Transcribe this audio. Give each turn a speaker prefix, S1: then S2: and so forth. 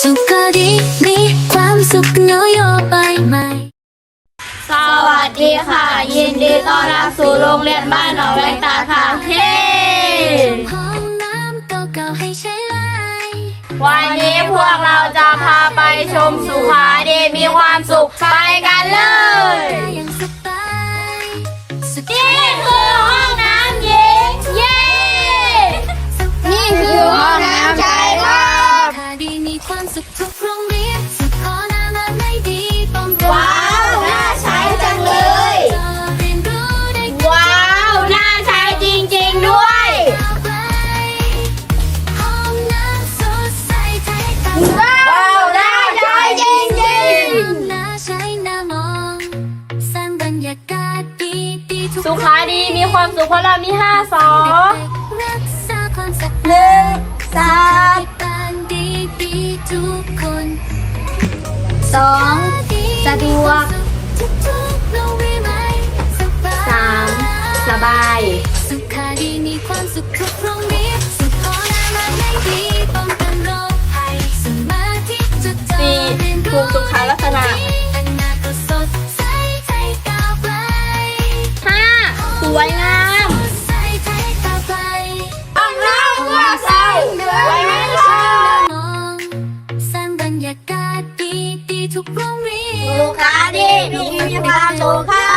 S1: สุขดีมีความสุขนโยบายใหม่
S2: สวัสดีค่ะยินดีต้อนรับสู่โรงเรียนบ้านหนองแวงตาค่ะเฮ้
S1: ห้องน้ำเก่าๆให้ใช้ไล
S2: วันนี้พวกเราจะพาไปชมสุขาดีมีความสุขไปกันเลยนี่คือห้องน้ำหญิงเย้นี่คือห้องน้ำชายครับ
S1: ดีมีความสุขทุกโรงเรียนสุขอนามัยไม่ดีป้องกัน
S2: ว้าวน่าใช้จังเลยว้าวน่าใช้จริงๆด้วยว้าวน่าใช้จริงๆ
S1: น่าใช้น่ามองสร้างบรรยากาศดีๆทุก
S2: สุขาดีมีความสุขเพราะเรามี5 สอ
S1: รักษาความสะอาด
S2: 1 3
S1: ดีทุกคน
S2: 2 สะดวก 3 สบาย
S1: สุขาดีมีความสุขทุกโรงเรียนสุขอนามัยไม่ดีป้องกันโรคภัยสมาธิจดจ่อเรียนรู้
S2: ถูกสุขลักษณะ
S1: อนาคตสดใสใจก้าวไกล
S2: 5 สวยงาม
S1: ใสใจก้าวไกล
S2: ต้องเล่าว่าใส่ไว้ไม่ลง
S1: สร้างบรรยากาศดีทุกโรงเรียน
S2: สุขาดีมีความสุขค่ะ